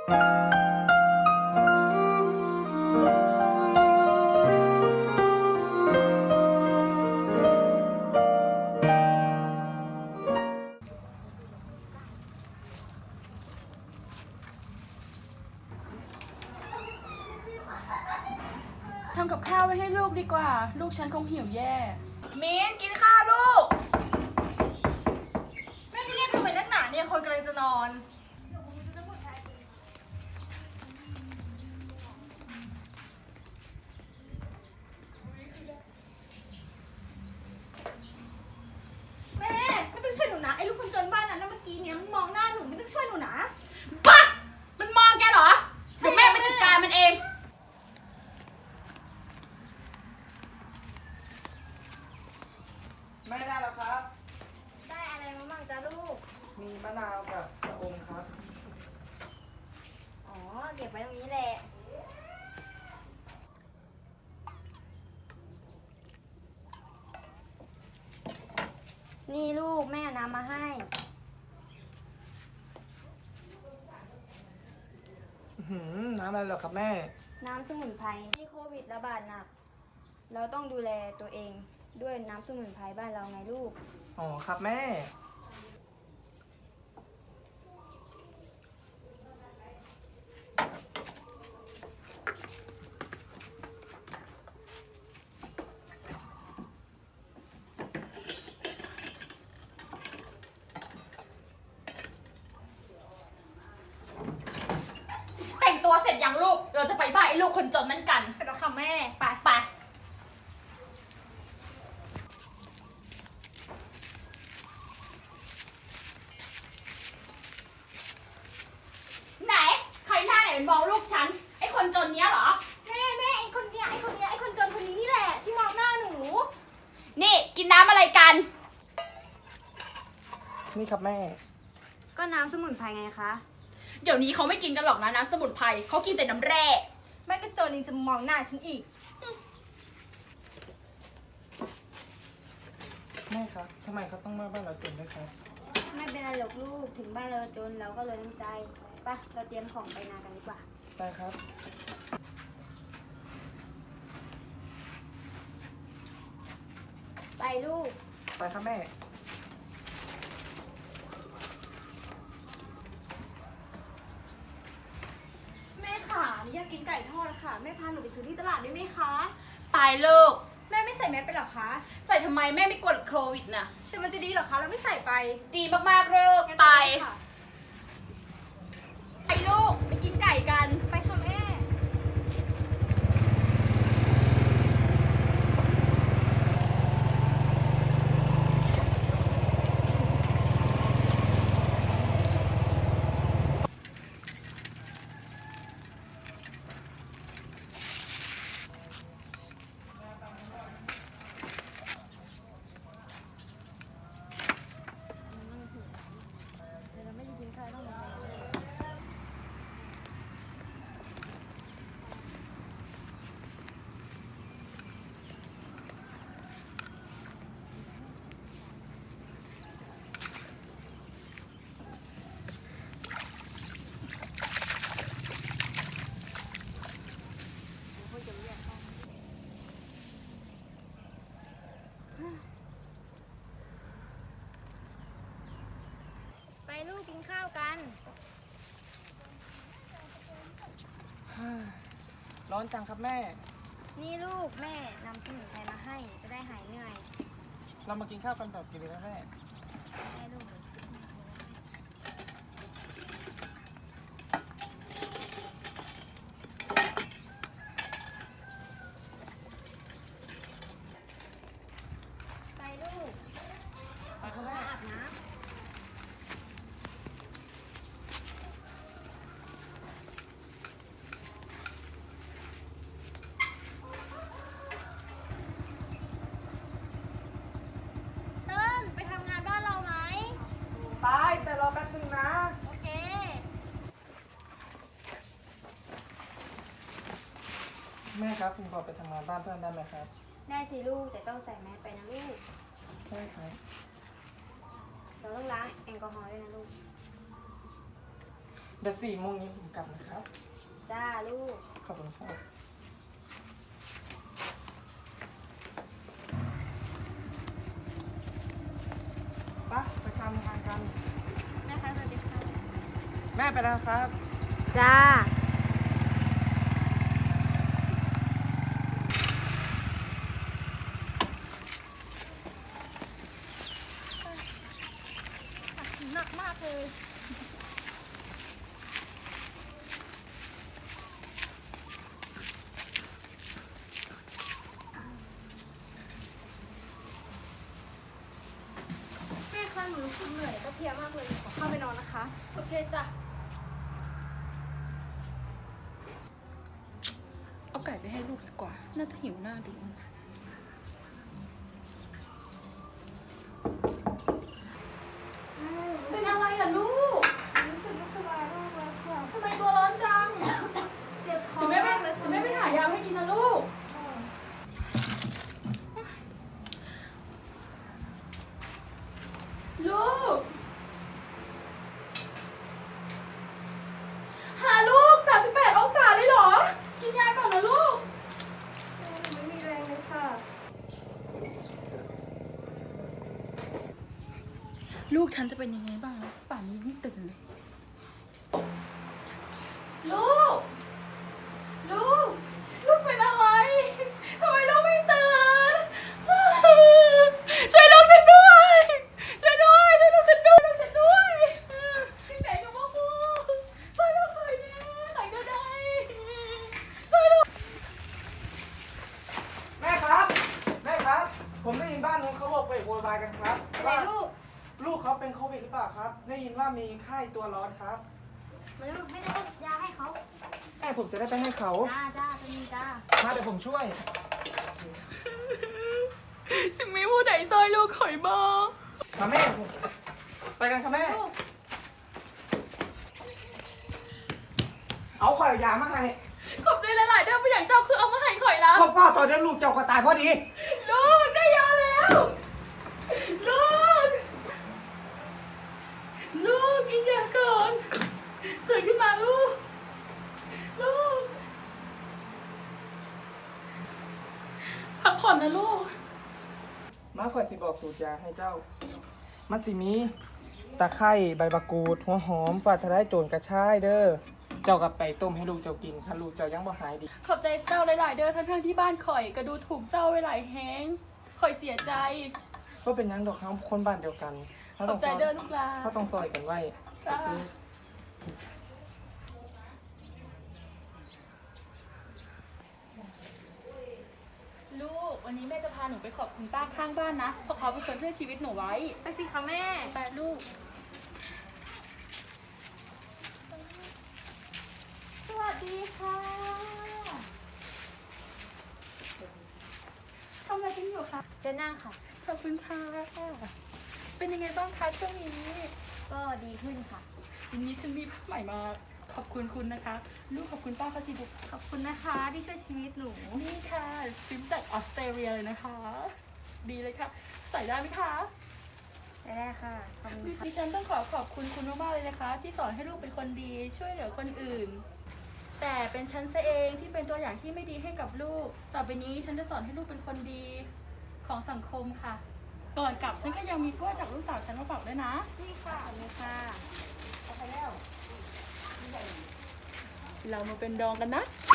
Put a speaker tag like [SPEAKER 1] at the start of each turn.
[SPEAKER 1] ทำกับข้าวไว้ให้ลูกดีกว่า ลูกฉันคงหิวแย่มิ้นกินข้าวลูกแม่จะเรียกทำไมนักหนาเนี่ยคนกำลังจะนอนแม่ไม่ต้องช่วยหนูนะไอ้ลูกคนจนบ้านนั้นเมื่อกี้เนี่ยมันมองหน้าหนูไม่ต้องช่วยหนูนะบ้ามันมองแกเหรอเดี๋ยวแม่ไปจัดการมันเอง
[SPEAKER 2] ไม่ได้แล้วครับ
[SPEAKER 3] ได้อะไรมาบ้างจ้าลูก
[SPEAKER 2] มีมะนาวกับชะอมครับ
[SPEAKER 3] อ๋อ เก็บไว้ตรงนี้แหละ นี่ลูกแม่เอาน้ำมาให้
[SPEAKER 2] น้ำอะไรเหรอครับแม่
[SPEAKER 3] น้ำสมุนไพรที่โควิดระบาดหนัก เราต้องดูแลตัวเองด้วยน้ำสมุนไพรบ้านเราไงลูก
[SPEAKER 2] อ๋อครับแม่
[SPEAKER 1] แต่งตัวเสร็จยังลูก เราจะไปบ้านไอ้ลูกคนจนนั่นกัน
[SPEAKER 3] เสร็จแล้วค่ะแม่
[SPEAKER 1] ไปไปไหน ใครหน้าไหนเป็นมองลูกฉัน ไอ้คนจนเนี้ยเหรอ
[SPEAKER 3] แม่ไอ้คนเนี้ยไอ้คนจนคนนี้นี่แหละที่มองหน้าหนู
[SPEAKER 1] นี่กินน้ำอะไรกัน
[SPEAKER 2] นี่ครับแม่
[SPEAKER 3] ก็น้ำสมุนไพรไงคะ
[SPEAKER 1] เดี๋ยวนี้เขาไม่กินกันหรอกนะน้ำสมุนไพรเขากินแต่น้ำแร่
[SPEAKER 3] แม่ก็จนยังจะมองหน้าฉันอีก
[SPEAKER 2] แม่ครับทำไมเขาต้องมาบ้านเราจนด้วยครับ
[SPEAKER 3] ไม่เป็นไรหรอกลูก ถึงบ้านเราจนเราก็เลยน้ำใจไปะเราเตรียมของไปนากันดีกว่า
[SPEAKER 2] ได้ครับ
[SPEAKER 3] ไปลูก
[SPEAKER 2] ไปครับแม่
[SPEAKER 3] แม่ค่ะหนูอยากกินไก่ทอดค่ะ แม่พาหนูไปซื้อที่ตลาดได้ไหมคะ
[SPEAKER 1] ตายลูก
[SPEAKER 3] แม่ไม่ใส่แมสไปหรอคะ
[SPEAKER 1] ใส่ทำไมแม่ไม่กลัวโควิดนะ
[SPEAKER 3] แต่มันจะดีเหรอคะเราไม่ใส่ไป
[SPEAKER 1] ดีมากๆลูกไป
[SPEAKER 3] ค่ะ
[SPEAKER 1] ไปลูก ไปกินไก่กัน
[SPEAKER 3] ไปค่ะแม่ ไปลูกกินข้าวกัน
[SPEAKER 2] ร้อนจังครับแม่
[SPEAKER 3] นี่ลูกแม่นำสมุนไพรมาให้จะได้หายเหนื่อย
[SPEAKER 2] เรามากินข้าวกันแบบกินเลยนะแม่
[SPEAKER 3] ได้ลูกไปลูก
[SPEAKER 2] ไปครับแม่
[SPEAKER 3] อาบน้ำ เติ้ลไปทำงานบ้านเราไหม
[SPEAKER 2] ไปแต่รอแป๊บนึงนะ
[SPEAKER 3] โอเค
[SPEAKER 2] แม่ครับผมขอไปทำงานบ้านเพื่อนได้ไหมครับ
[SPEAKER 3] ได้สิลูกแต่ต้องใส่แมสไปนะลูก
[SPEAKER 2] ได้ครับ
[SPEAKER 3] เราต้องล้างแอลกอฮอล์ด้วยนะลูก
[SPEAKER 2] เดี๋ยว4 โมงนี้ผมกลับนะครับ
[SPEAKER 3] จ้าลูก
[SPEAKER 2] ขอบคุณครับไปทำงานกัน
[SPEAKER 3] นะคะสวัสดีค่ะ
[SPEAKER 2] แม่ไปแล้วครับ
[SPEAKER 3] จ้า
[SPEAKER 1] หนักมากเลย แม่คะหนูรู้สึกเหนื่อยก็เพลียมากเลยขอเข้าไปนอนนะคะ โอเคจ้ะ เอาไก่ไปให้ลูกดีกว่า น่าจะหิวหน้าดู เป็นอะไรอ่ะลูก
[SPEAKER 3] รู้สึกไม่สบายมากเลยค่ะ
[SPEAKER 1] ทำไมตัวร้อนจัง
[SPEAKER 3] เจ็บคอ
[SPEAKER 1] เดี๋ยวแม่
[SPEAKER 3] มากเลย
[SPEAKER 1] เดี๋
[SPEAKER 3] ค่ะ
[SPEAKER 1] ยวแม่ไปหายาให้กินนะลูก ลูก หาลูก 38 องศาเลยเหรอ กินยาก่อนนะลูก
[SPEAKER 3] ไม่มีแรงเลยค่ะ
[SPEAKER 1] ลูกฉันจะเป็นยังไงบ้างนะป่านนี้ไม่ตื่นเลย ลูก ลูก ลูกเป็นอะไร ทำไมลูกไม่ตื่น ช่วยลูกฉันด้วย ช่วยด้วย ช่วยลูกฉันด้วย ลูกฉันด้วยพี่แม่กับพ่อครูช่วยลูกหน่อยนะหน่อยก็ได้ช่วยลูก
[SPEAKER 2] แม่ครับ แม่ครับ ผมได้ยินบ้านนู้นเขาบอกไปโวยวายกันครับ
[SPEAKER 3] อะไร
[SPEAKER 2] ว่า
[SPEAKER 3] ลูก
[SPEAKER 2] ลูกเขาเป็นโควิดหรือเปล่าครับ ได้ยินว่ามีไข้ตัวร้อนครับ
[SPEAKER 3] มันไม่ได้ยาให้เขา
[SPEAKER 2] แม่ผมจะได้ไปให้เขา
[SPEAKER 3] จ้าจ้าเป็นจ้า
[SPEAKER 2] มาเดี๋ยวผมช่วย
[SPEAKER 1] ฉันไม่พูดไหนซอยลูกข่อยบ้าง
[SPEAKER 2] มาแม่ผมไปกันครับแม่
[SPEAKER 3] ลูก
[SPEAKER 2] เอาข่อยยามาให้
[SPEAKER 1] ขอบใจหลายๆเด้อไปอย่างเจ้าคือเอามาให้ข่อยแล้ว
[SPEAKER 2] พ่อป้าตอนนี้ลูกเจ้าก็ตายพอดี
[SPEAKER 1] ลูกได้ยาแล้ว ลูก ลูกกินยาก่อนตื่นขึ้นมาลูก ลูก พักผ่อนนะลูก
[SPEAKER 2] มาข่อยสิบอกสูตรยาให้เจ้า มันสิมีตะไคร้ใบมะกรูด หัวหอมปลาทะไลโจรกระชายเด้อ เจ้ากับไปต้มให้ลูกเจ้ากินถ้าลูกเจ้ายังบ่หายดี
[SPEAKER 1] ขอบใจเจ้าหลายๆเด้อทั้งๆที่บ้านข่อยก็ดูถูกเจ้าไว้หลายแฮงข่อยเสียใจ
[SPEAKER 2] ก็เป็นหยังดอกครับคนบ้านเดียวกัน
[SPEAKER 1] ขอบใจเด้อลูกหลาน
[SPEAKER 2] เขาต้องซอยกันไว้
[SPEAKER 1] จ้าลูกวันนี้แม่จะพาหนูไปขอบคุณป้าข้างบ้านนะ เพราะเขาเป็นคนช่วยชีวิตหนูไว้
[SPEAKER 3] ไปสิคะแม่
[SPEAKER 1] ไปลูก สวัสดีค่ะทำอะไรกันอยู่คะ
[SPEAKER 3] เจะนั่งค่ะ
[SPEAKER 1] ขอบคุณค่ะ เป็นยังไงบ้างคะช่วงนี้
[SPEAKER 3] ก็ดีขึ้นค่ะ
[SPEAKER 1] วันนี้ฉันมีภาพใหม่มาขอบคุณคุณนะคะ ลูกขอบคุณป้าเขาสิบุก
[SPEAKER 3] ขอบคุณนะคะที่ช่วยชีวิตหนู
[SPEAKER 1] นี่ค่ะซิมจากออสเตรเลียเลยนะคะ ดีเลยค่ะ ใส่ได้ไหมคะ
[SPEAKER 3] ได้ค่ะ ขอบคุณ
[SPEAKER 1] ดิ
[SPEAKER 3] ค่ะ
[SPEAKER 1] ฉันต้องขอบคุณคุณมากๆเลยนะคะ ที่สอนให้ลูกเป็นคนดีช่วยเหลือคนอื่น แต่เป็นฉันซะเองที่เป็นตัวอย่างที่ไม่ดีให้กับลูก ต่อไปนี้ฉันจะสอนให้ลูกเป็นคนดีของสังคมค่ะ ก่อนกลับฉันก็ยังมีกล้วยจากลูกสาวฉันมาฝากด้วยนะ
[SPEAKER 3] นี่ค่ะขอบคุณค่ะ
[SPEAKER 1] เรามาเป็นดองกันนะ